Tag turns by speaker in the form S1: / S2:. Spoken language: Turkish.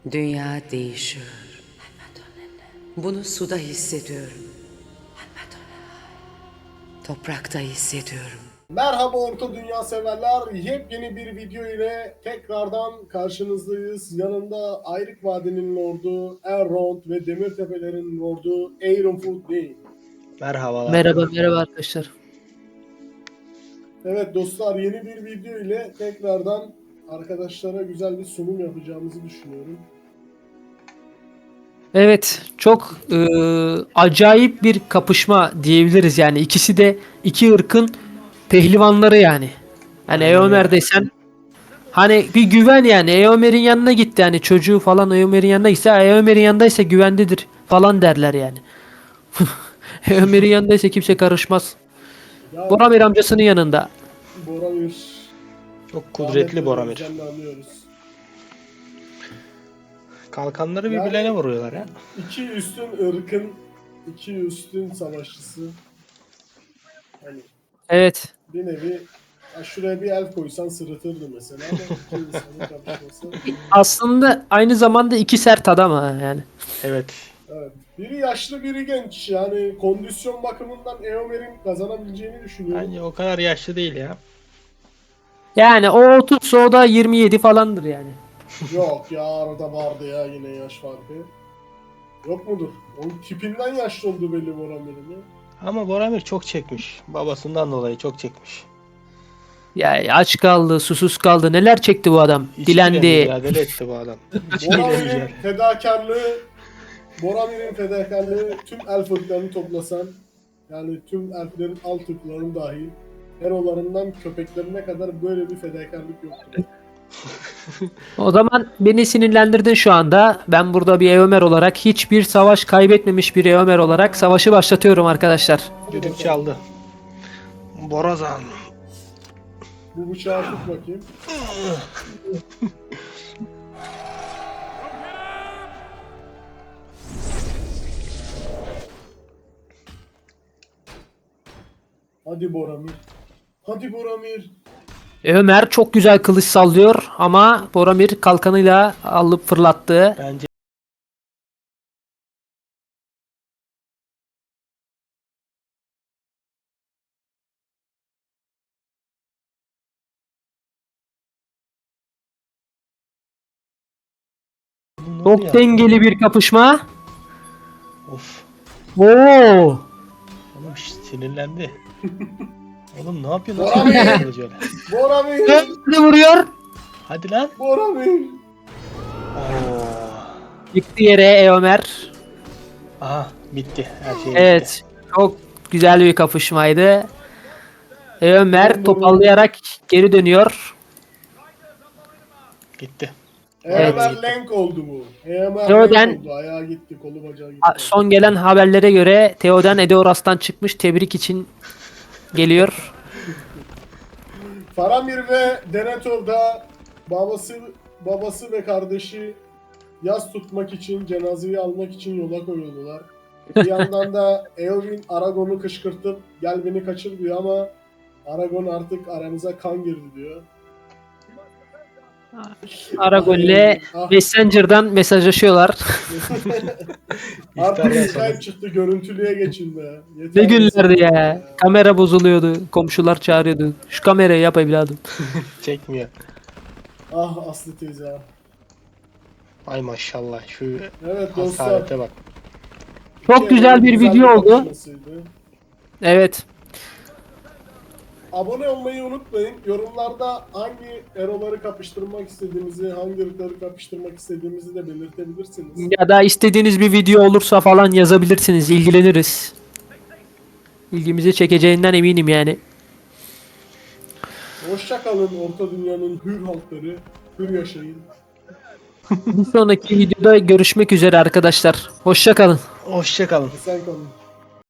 S1: Dünya değişiyor. Bunu suda hissediyorum. Toprakta hissediyorum.
S2: Merhaba Orta Dünya severler. Yepyeni bir video ile tekrardan karşınızdayız. Yanımda Ayrık Vadi'nin lordu, Elrond ve Demirtepelerin lordu Ironfoot değil.
S3: Merhabalar.
S4: Merhaba arkadaşlar.
S2: Evet dostlar, yeni bir video ile tekrardan arkadaşlara güzel bir sunum yapacağımızı düşünüyorum.
S4: Evet, çok acayip bir kapışma diyebiliriz yani. İkisi de iki ırkın pehlivanları yani. Hani Eomer desen hani bir güven yani. Eomer'in yanına gitti yani, çocuğu falan Eomer'in yanına gitse, Eomer'in yanındaysa güvendedir falan derler yani. Eomer'in yanındaysa kimse karışmaz.
S2: Ya,
S4: Boromir amcasının yanında.
S2: Boromir.
S3: Çok kudretli Boromir.
S2: Özenle anıyoruz.
S3: Kalkanları
S2: Yani-
S3: birbirlerine vuruyorlar ya.
S2: İki üstün ırkın, iki üstün savaşçısı. Hani
S4: Evet.
S2: bir nevi, ya şuraya bir el koysan sırıtırdı mesela ama iki insanın kapışması.
S4: Aslında aynı zamanda iki sert adam ha yani.
S3: Evet.
S2: Evet. Biri yaşlı, biri genç. Yani kondisyon bakımından Eomer'in kazanabileceğini düşünüyorum.
S3: Bence o kadar yaşlı değil ya.
S4: Yani o 30, o da 27 falandır yani.
S2: Yok ya, arada vardı ya yine yaş farkı. Yok mudur? Onun tipinden yaşlı olduğu belli Boromir'in ya.
S3: Ama Boromir çok çekmiş. Babasından dolayı çok çekmiş.
S4: Ya aç kaldı, susuz kaldı. Neler çekti bu adam?
S3: İçkiyle
S4: Dilendi.
S3: mücadele etti bu adam. İçkiyle
S2: Boromir'in
S3: mücadele.
S2: fedakarlığı tüm elf ırklarını toplasan, yani tüm elflerin alt ırklarının dahil, herolarından köpeklerine kadar böyle bir fedakarlık yoktur.
S4: O zaman beni sinirlendirdin şu anda. Ben burada bir Eomer olarak, hiçbir savaş kaybetmemiş bir Eomer olarak savaşı başlatıyorum arkadaşlar.
S3: Düdük çaldı. Borazan.
S2: Bu bıçağı tut bakayım. Hadi Boromir. Hadi Boromir.
S4: Ömer çok güzel kılıç sallıyor ama Boromir kalkanıyla alıp fırlattı.
S3: Bence Ne oldu
S4: Çok
S3: ya?
S4: dengeli bir kapışma.
S3: Of.
S4: Oo!
S3: Oğlum sinirlendi. Oğlum ne yapıyorsun? Nasıl
S2: Boromir!
S3: yapıyorsun böyle?
S2: Boromir.
S4: Ne vuruyor?
S3: Hadi lan.
S2: Boromir.
S3: Oo.
S4: Yıktı yere Eomer.
S3: Aha bitti. Her şey bitti.
S4: Evet. Çok güzel bir kapışmaydı. Ömer toparlayarak geri dönüyor.
S3: Gitti.
S2: Eomer
S3: Evet.
S2: Lenk oldu bu. Eomer
S4: Theoden-
S2: Lenk oldu. Ayağı gitti, kolu bacağı gitti.
S4: Son gelen haberlere göre Theoden Edeoras'tan çıkmış. Tebrik için geliyor.
S2: Faramir ve Denethor da babası ve kardeşi yas tutmak için, cenazeyi almak için yola koyuldular. Bir yandan da Eowyn Aragon'u kışkırtıp gel beni kaçır diyor ama Aragon artık aramıza kan girdi diyor.
S4: Aragorn'le
S2: Ah,
S4: Messenger'dan mesajlaşıyorlar.
S2: artık
S3: İftardan
S2: Skype
S3: sonra.
S2: çıktı, görüntülüye geçin be. Yeter
S4: Ne günlerdi
S2: yeter
S4: ya. Kamera bozuluyordu. Komşular çağırıyordu. Şu kamerayı yap evladım.
S3: Çekmiyor.
S2: Ah Aslı teyze.
S3: Ay maşallah şu
S2: Evet dostlar.
S3: hasarete bak.
S4: Çok güzel bir video oldu.
S2: kapışmasıydı.
S4: Evet.
S2: Abone olmayı unutmayın. Yorumlarda hangi eroları kapıştırmak istediğimizi, hangi ırkları kapıştırmak istediğimizi de belirtebilirsiniz.
S4: Ya da istediğiniz bir video olursa falan yazabilirsiniz. İlgileniriz. İlgimizi çekeceğinden eminim yani.
S2: Hoşça kalın Orta Dünya'nın hür halkları. Hür yaşayın.
S4: Bir sonraki videoda görüşmek üzere arkadaşlar. Hoşça kalın.
S3: Hoşça kalın.
S2: Sen kalın.